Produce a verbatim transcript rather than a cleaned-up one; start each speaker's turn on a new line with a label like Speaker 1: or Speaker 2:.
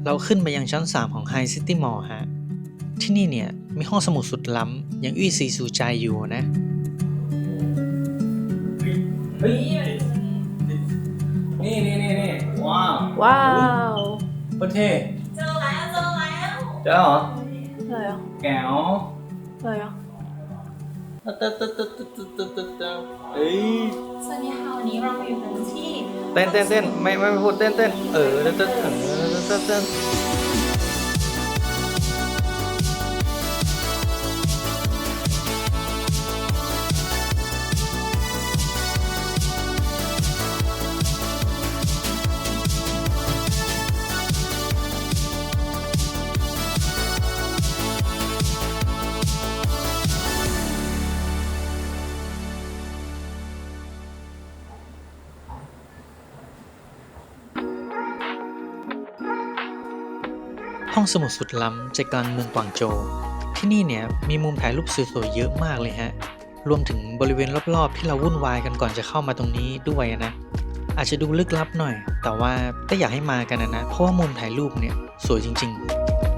Speaker 1: เราขึ้นไปยังชั้นสามของ High City Mall ฮะที่นี่เนี่ยมีห้องสมุดสุดล้ำอย่างอี้ซีซูใจอยู่นะ
Speaker 2: เฮ้ยนี่นี่นี่นี่ว้าว
Speaker 3: ว้าว
Speaker 2: โคตรเท่
Speaker 4: เจอแล้วเจอแล้ว
Speaker 2: เจ้าเหรอ
Speaker 3: อะไรอ่ะ
Speaker 2: แก้ว
Speaker 3: อะไรอ่ะ
Speaker 2: ตึ๊ดตึ๊ดตึ๊ดตึ๊ดตึ๊ดตึ๊ดตึ๊ดตึ๊ดตึ๊ดเอ้ย
Speaker 4: สวัสดีค่ะวันนี้เราอยู่กันที่
Speaker 2: เต้นเต้นเต้นไม่ไม่พูดเต้นเต้นเออเต้นเต้นเออเต้นเต้น
Speaker 1: ห้องสมุดสุดล้ำใจกลางเมืองกวางโจวที่นี่เนี่ยมีมุมถ่ายรูปสวยๆเยอะมากเลยฮะรวมถึงบริเวณรอบๆที่เราวุ่นวายกันก่อนจะเข้ามาตรงนี้ด้วยนะอาจจะดูลึกลับหน่อยแต่ว่าก็อยากให้มากันนะนะเพราะว่ามุมถ่ายรูปเนี่ยสวยจริงๆ